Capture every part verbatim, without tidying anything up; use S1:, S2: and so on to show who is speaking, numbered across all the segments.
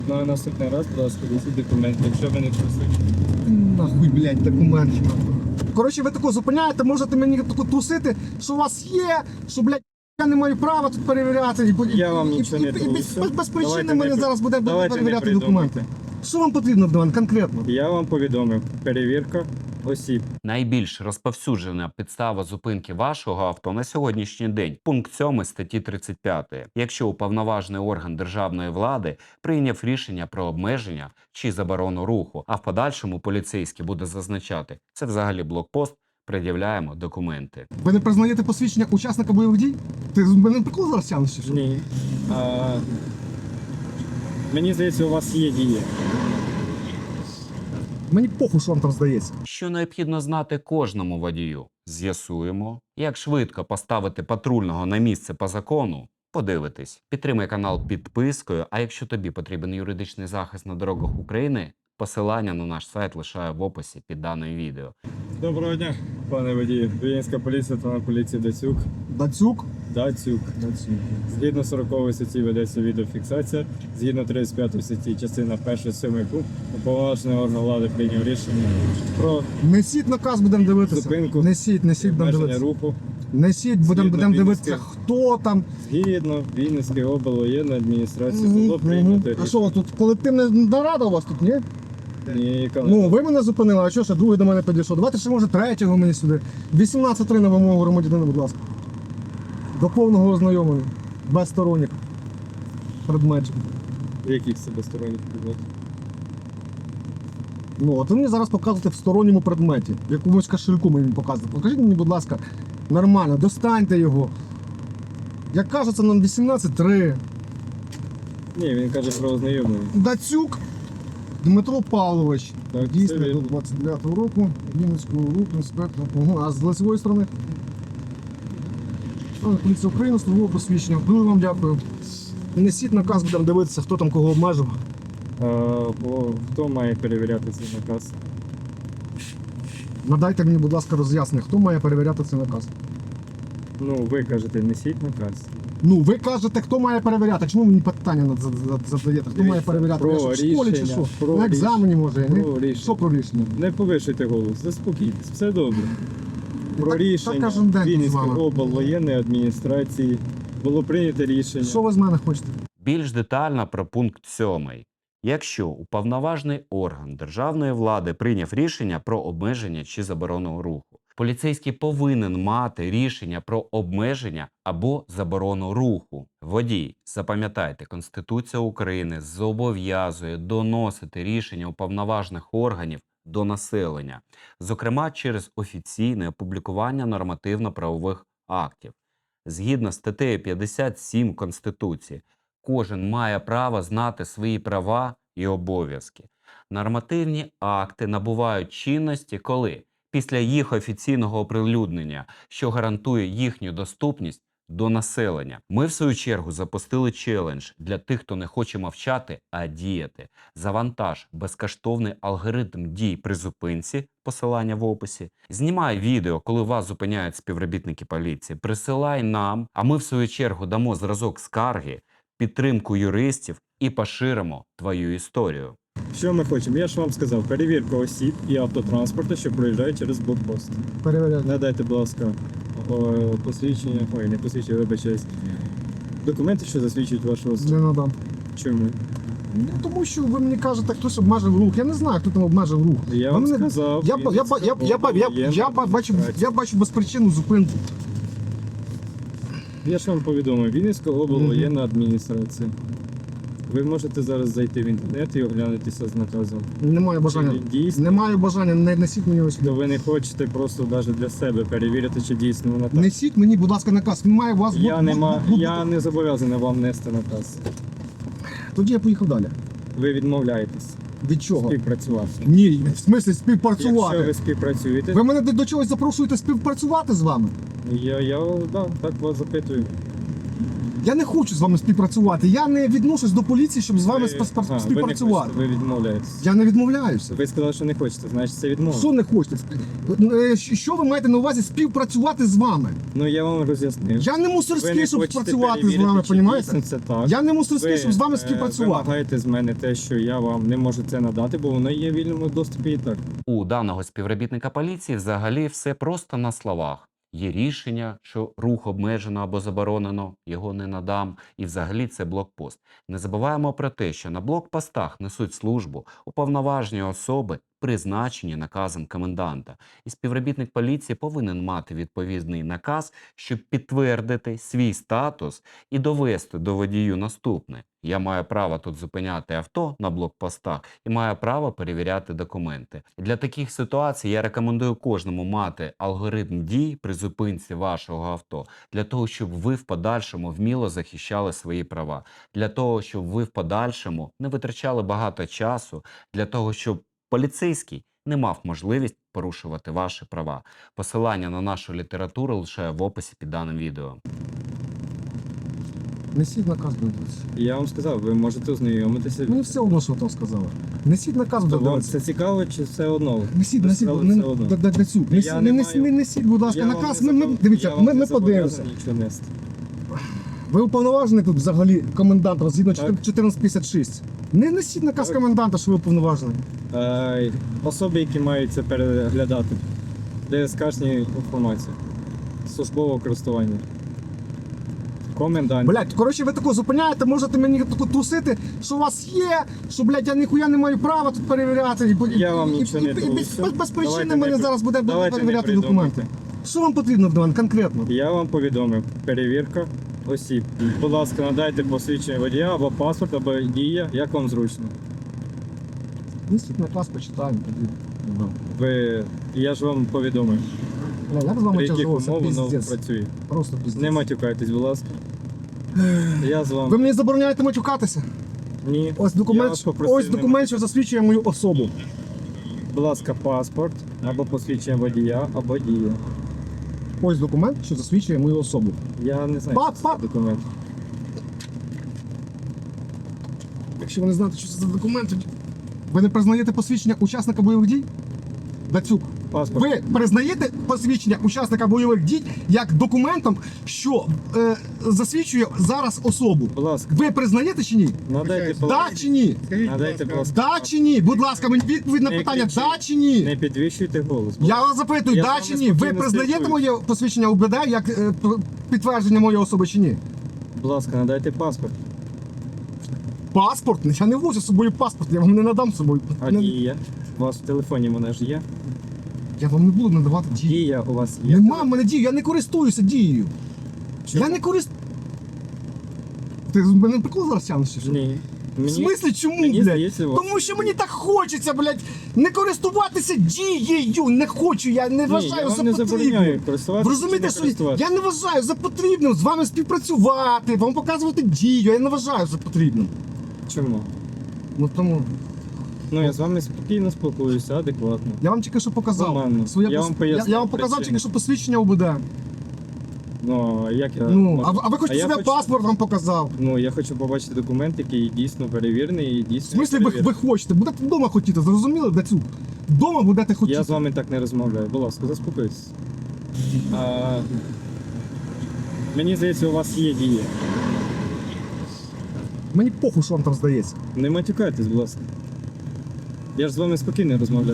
S1: На наступний раз, будь ласка, візьміть документи, якщо ви не присутні.
S2: Нахуй, блядь, документи. Коротше, ви таку зупиняєте, можете мені таку трусити, що у вас є, що, блядь, я не маю права тут перевіряти. І,
S1: Я вам
S2: і,
S1: нічого
S2: і,
S1: не
S2: і,
S1: трушу.
S2: без, без, без причини
S1: Давайте
S2: мене
S1: не-
S2: зараз буде
S1: давайте не
S2: перевіряти
S1: придумуйте.
S2: документи. Що вам потрібно від мене конкретно?
S1: Я вам повідомив, перевірка осіб.
S3: Найбільш розповсюджена підстава зупинки вашого авто на сьогоднішній день – пункт сьомий статті тридцять п'ятої. Якщо уповноважений орган державної влади прийняв рішення про обмеження чи заборону руху, а в подальшому поліцейський буде зазначати – це взагалі блокпост, пред'являємо документи.
S2: Ви не признаєте посвідчення учасника бойових дій? Ти з мене прикол зараз тягнеш чи що?
S1: Ні. А, мені здається, у вас є дії.
S2: Мені похуй, що вам там здається.
S3: Що необхідно знати кожному водію? З'ясуємо. Як швидко поставити патрульного на місце по закону? Подивитись. Підтримай канал підпискою, а якщо тобі потрібен юридичний захист на дорогах України, посилання на наш сайт лишаю в описі під даним відео.
S1: Доброго дня, пане водію. Вінницька поліція та на поліції Дацюк.
S2: Дацюк?
S1: Дацюк.
S2: Дацюк.
S1: Згідно сорокової статті ведеться відеофіксація. Згідно тридцять п'ятої статті, частина перша, сьомий пункт, уповноважений орган влади прийняв рішення про
S2: Несіть наказ, будемо дивитися.
S1: Зупинку.
S2: Несіть, несіть, будемо
S1: обмеження
S2: дивитися.
S1: руху.
S2: Несіть, будемо
S1: Згідно
S2: будем дивитися,
S1: Вінницької-
S2: хто там.
S1: Згідно Вінницької облвоєнної адміністрації
S2: Мгм,
S1: було прийнято
S2: мгм. А
S1: рішення.
S2: що у вас тут колективна нарада у вас тут, ні?
S1: Ні, яка не-
S2: Ну, ви мене зупинили, а що ще другий до мене підійшов? Давайте ще може третього мені сюди. вісімнадцять три на вимогу громадянина, будь ласка. До повного ознайомлення. Без сторонніх предметів.
S1: Яких себе сторонніх предметів?
S2: Ну, от ви мені зараз показуєте в сторонньому предметі. В якомусь кошельку мені показуєте. Покажіть мені, будь ласка, нормально, достаньте його. Як кажеться, нам вісімнадцять три.
S1: Ні, він каже про ознайомлення.
S2: Дацюк Дмитро Павлович.
S1: Так, це
S2: Дійсний
S1: він.
S2: до двадцять дев'ятого року. Вінницького руху, інспектор. Угу. А з лицевої сторони? Поліція України, службове посвідчення. Дуже вам дякую. Несіть наказ, будемо дивитися, хто там кого обмежив.
S1: А, по- хто має перевіряти цей наказ?
S2: Надайте мені, будь ласка, роз'яснення, хто має перевіряти цей наказ.
S1: Ну, ви кажете, несіть наказ.
S2: Ну, ви кажете, хто має перевіряти. Чому мені питання над- зад- зад- задаєте? Хто має перевіряти?
S1: Про
S2: Я що, в школі чи
S1: рішення,
S2: що?
S1: про
S2: На екзамені може, ні?
S1: Про рішення.
S2: Що про рішення?
S1: Не повишуйте голос, заспокійтесь, все добре. Про
S2: Так- так
S1: рішення
S2: кожен день тут з
S1: Вінницької
S2: вами.
S1: облвоєнної адміністрації було прийнято рішення.
S2: Що ви з мене хочете?
S3: Більш детально про пункт сьомий. Якщо уповноважений орган державної влади прийняв рішення про обмеження чи заборону руху, поліцейський повинен мати рішення про обмеження або заборону руху. Водій, запам'ятайте, Конституція України зобов'язує доносити рішення уповноважених органів до населення, зокрема через офіційне опублікування нормативно-правових актів. Згідно з статтею п'ятдесят сім Конституції, кожен має право знати свої права і обов'язки. Нормативні акти набувають чинності, коли після їх офіційного оприлюднення, що гарантує їхню доступність до населення. Ми, в свою чергу, запустили челендж для тих, хто не хоче мовчати, а діяти. Завантаж безкоштовний алгоритм дій при зупинці, посилання в описі. Знімай відео, коли вас зупиняють співробітники поліції. Присилай нам, а ми, в свою чергу, дамо зразок скарги, підтримку юристів і поширимо твою історію.
S1: Що ми хочемо? Я ж вам сказав, перевірка осіб і автотранспорту, що проїжджають через блокпост.
S2: Перевіряти.
S1: Надайте, будь ласка, о, посвідчення, ой, не посвідчення, вибачаюсь. Документи, що засвідчують вашу
S2: Не
S1: особу.
S2: надам.
S1: Чому?
S2: Ну, тому що ви мені кажете, хтось обмежив рух. Я не знаю, хто там обмежив рух.
S1: Я
S2: Ви
S1: вам
S2: мене-
S1: сказав.
S2: Я, ба- я, ба- я, я, ба- я, я, я, ба- бачу, я бачу безпричинну зупинку.
S1: Я ж вам повідомив, Вінницька облвоєнна адміністрація. Ви можете зараз зайти в інтернет і оглянутися з наказом.
S2: Немає бажання.
S1: Чи він дійсний?
S2: Немає бажання, не несіть мені ось.
S1: То ви не хочете просто навіть для себе перевірити, чи дійсно вона так.
S2: Несіть мені, будь ласка, наказ. Він має у вас
S1: Я,
S2: бу-
S1: не
S2: бу-
S1: ма...
S2: бу-
S1: я не зобов'язаний вам нести наказ.
S2: Тоді я поїхав далі.
S1: Ви відмовляєтесь
S2: Від чого?
S1: співпрацювати.
S2: Ні, в смислі
S1: Якщо
S2: співпрацювати.
S1: ви співпрацюєте,
S2: Ви мене до до чогось запрошуєте співпрацювати з вами?
S1: я, я да, так вас запитую.
S2: Я не хочу з вами співпрацювати. Я не відношусь до поліції, щоб з вами
S1: Ви-
S2: спа- спа-
S1: Ага,
S2: співпрацювати.
S1: Ви, не хочете, ви відмовляєтесь.
S2: Я не відмовляюся.
S1: Ви сказали, що не хочете, значить це відмова.
S2: Що не хочете? Е, Що ви маєте на увазі співпрацювати з вами?
S1: Ну я вам роз'яснив.
S2: Я не
S1: Ви
S2: мусорський,
S1: не
S2: щоб
S1: хочете
S2: працювати з
S1: перевірити,
S2: вами,
S1: чи
S2: понімаєте?
S1: дійсно це так.
S2: Я не мусорський, щоб з вами
S1: е,
S2: співпрацювати.
S1: вимагаєте з мене те, що я вам не можу це надати, бо воно є в вільному доступі і так.
S3: У даного співробітника поліції взагалі все просто на словах. Є рішення, що рух обмежено або заборонено, його не надам, і взагалі це блокпост. Не забуваємо про те, що на блокпостах несуть службу уповноважені особи, призначені наказом коменданта. І співробітник поліції повинен мати відповідний наказ, щоб підтвердити свій статус і довести до водію наступне. Я маю право тут зупиняти авто на блокпостах і маю право перевіряти документи. Для таких ситуацій я рекомендую кожному мати алгоритм дій при зупинці вашого авто, для того, щоб ви в подальшому вміло захищали свої права, для того, щоб ви в подальшому не витрачали багато часу, для того, щоб поліцейський не мав можливість порушувати ваші права. Посилання на нашу літературу лише в описі під даним відео.
S2: Несіть наказ, будь ласка.
S1: Я вам сказав, ви можете ознайомитися.
S2: Мені все одно, що там сказали. Несіть наказ,
S1: То
S2: будь
S1: вам
S2: ласка.
S1: це цікаво чи все одно?
S2: Несіть,
S1: Ви
S2: несіть,
S1: сказали,
S2: не,
S1: все одно.
S2: да- да- Дацюк,
S1: Я
S2: несіть,
S1: не
S2: не, несіть,
S1: маю-
S2: не несіть, будь ласка,
S1: Я вам
S2: наказ.
S1: не
S2: Ми, ми,
S1: забо-
S2: дивіться,
S1: я вам
S2: ми,
S1: не
S2: ми подивимося.
S1: зобов'язаний нічого нести.
S2: Ви уповноважений тут взагалі комендант згідно
S1: Так.
S2: чотирнадцять п'ятдесят шість. Не несіть наказ
S1: Так.
S2: коменданта, що ви уповноважений.
S1: Е, Особи, які мають це переглядати, ДСКшні інформації, службового користування. Комендант.
S2: Блять, коротше, ви таку зупиняєте, можете мені таку трусити, що у вас є, що, блядь, я ніхуя не маю права тут перевіряти. І,
S1: Я вам
S2: і-
S1: нічого
S2: і-
S1: не
S2: і- і
S1: трусю.
S2: без, без, без причини
S1: Давайте
S2: мене
S1: не-
S2: зараз буде
S1: давайте не
S2: перевіряти
S1: придумуйте.
S2: документи. Що вам потрібно від мене конкретно?
S1: Я вам повідомив, перевірка осіб. Будь ласка, надайте посвідчення водія або паспорт, або дія, як вам зручно.
S2: Несіть наказ, почитаємо тоді. Ну,
S1: Ви, я ж вам повідомив,
S2: Бля, як з вами
S1: при яких
S2: тяжело,
S1: умов воно
S2: піздець.
S1: працює.
S2: Просто піздець.
S1: Не матюкайтесь, будь ласка. Я з
S2: Ви
S1: вами.
S2: мені забороняєте матюкатися?
S1: Ні.
S2: Ось
S1: Я
S2: документ,
S1: вас попросив
S2: ось
S1: не
S2: документ, що засвідчує мою особу.
S1: Будь ласка, паспорт, або посвідчення водія, або дія.
S2: Ось документ, що засвідчує мою особу.
S1: Я не знаю,
S2: Пап,
S1: що це за
S2: пап.
S1: документ.
S2: Якщо ви не знаєте, що це за документ, тоді ви не признаєте посвідчення учасника бойових дій? Дацюк,
S1: Паспорт.
S2: ви признаєте посвідчення учасника бойових дій як документом, що е, засвідчує зараз особу?
S1: Будь ласка,
S2: Ви признаєте чи ні?
S1: надайте, будь
S2: Да
S1: ласка.
S2: чи ні?
S1: Надайте, будь ласка.
S2: Да чи ні? Будь ласка, мені відповідь на
S1: Не
S2: питання,
S1: кричіть.
S2: да чи ні?
S1: Не підвищуйте голос. будь
S2: Я
S1: ласка.
S2: вас запитую,
S1: Я з
S2: да
S1: вами
S2: чи ні? Ви
S1: спокійно
S2: признаєте
S1: спілкуюсь.
S2: моє посвідчення УБД як е, п- підтвердження моєї особи чи ні?
S1: Будь ласка, надайте паспорт.
S2: Паспорт? Я не возю з собою паспорт, я вам не надам з собою.
S1: А
S2: Не-
S1: дія? У вас в телефоні вона ж є?
S2: Я вам не буду надавати дії.
S1: Дія у вас є?
S2: Нема в мене дії, я не користуюся дією.
S1: Чому?
S2: Я не користуюся. Ти з мене прикол зараз тягнеш, чи що?
S1: Ні.
S2: В смислі чому,
S1: мені
S2: блядь?
S1: здається, у вас-
S2: Тому що мені так хочеться, блядь, не користуватися дією. Не хочу, я не
S1: Ні,
S2: вважаю
S1: я вам
S2: за
S1: не
S2: потрібне.
S1: забороняю користуватися.
S2: Ви розумієте,
S1: чи
S2: що
S1: не користуватися.
S2: я не вважаю за потрібним з вами співпрацювати, вам показувати дію, я не вважаю за потрібним.
S1: Чому?
S2: Ну тому
S1: Ну я з вами спокійно спілкуюся, адекватно.
S2: я вам тільки що показав.
S1: Нормально.
S2: Своє
S1: Я
S2: пос-
S1: вам поясню
S2: я, я вам показав
S1: причину.
S2: тільки що посвідчення УБД.
S1: Ну, а як я...
S2: Ну,
S1: можу?
S2: а, ви- а ви хочете
S1: я
S2: себе
S1: хочу-
S2: паспорт вам показав.
S1: Ну, я хочу побачити документ, який дійсно перевірений і
S2: В
S1: дійсно
S2: смислі ви,
S1: перевірений.
S2: ви хочете? Будете вдома хотіти, зрозуміли, Дацюк? Вдома будете хотіти.
S1: Я з вами так не розмовляю. Будь ласка, заспокойтесь. А... Мені здається, у вас є дія.
S2: Мені похуй, що вам там здається.
S1: Не матюкайтесь, будь ласка. Я ж з вами спокійно розмовляю.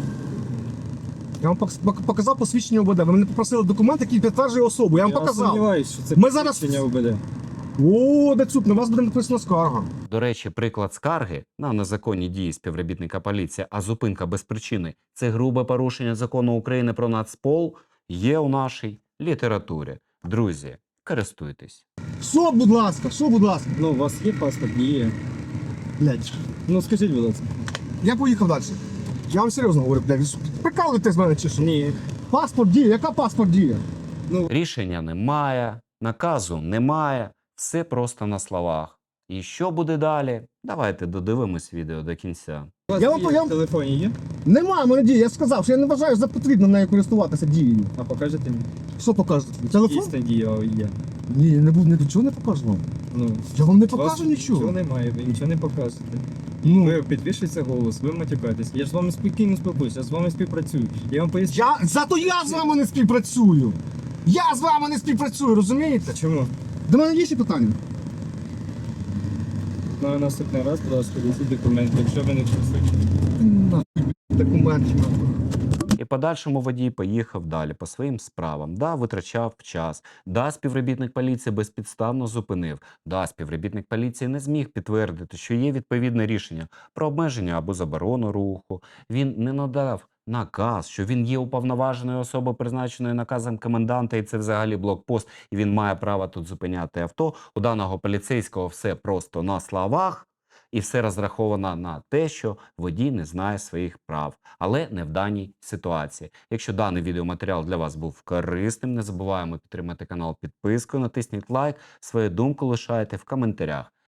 S2: Я вам пок- пок- показав посвідчення УБД. Ви мене попросили документ, який підтверджує особу. Я вам
S1: Я
S2: показав.
S1: сумніваюся, що це
S2: Ми зараз-
S1: посвідчення УБД.
S2: О, Дацюк, на вас буде написана скарга.
S3: До речі, приклад скарги на незаконні дії співробітника поліції, а зупинка без причини – це грубе порушення закону України про Нацпол, є у нашій літературі. Друзі, користуйтесь.
S2: Що, будь ласка, що, будь ласка?
S1: Ну, у вас є паспорт, дія.
S2: Блядь.
S1: Ну, скажіть, будь ласка.
S2: Я поїхав далі. Я вам серйозно говорю, блядь. ви що, прикалуєтесь з мене чи що?
S1: Ні.
S2: Паспорт діє, яка паспорт діє?
S3: Рішення немає, наказу немає, все просто на словах. І що буде далі? Давайте додивимось відео до кінця.
S1: У вас
S2: Я вам
S1: дія
S2: я-
S1: в телефоні є?
S2: Немає в мене дії, я сказав, що я не вважаю за потрібно нею користуватися дією.
S1: А покажете мені?
S2: Що покажете? Телефон?
S1: Дійсно дія є.
S2: Ні, не буду, нічого не покажу вам.
S1: Ну,
S2: Я вам не
S1: у вас
S2: покажу нічого.
S1: Нічого немає, ви нічого не покажете.
S2: Ну,
S1: Ви підвищується голос, ви матюкаєтесь. Я ж з вами спокійно спілкуюся, я з вами співпрацюю. Я вам поясню.
S2: я, зато я з вами не співпрацюю. Я з вами не співпрацюю, розумієте?
S1: Чому?
S2: До мене є ще питання?
S1: На наступний раз, будь ласка, візьміть документи, якщо ви не присутні.
S2: Нахуй, документів.
S3: І подальшому водій поїхав далі по своїм справам. Да, витрачав час. Да, співробітник поліції безпідставно зупинив. Да, співробітник поліції не зміг підтвердити, що є відповідне рішення про обмеження або заборону руху. Він не надав наказ, що він є уповноваженою особою, призначеною наказом коменданта, і це взагалі блокпост, і він має право тут зупиняти авто. У даного поліцейського все просто на словах. І все розраховано на те, що водій не знає своїх прав, але не в даній ситуації. Якщо даний відеоматеріал для вас був корисним, не забуваємо підтримати канал підпискою, натисніть лайк, свою думку лишайте в коментарях.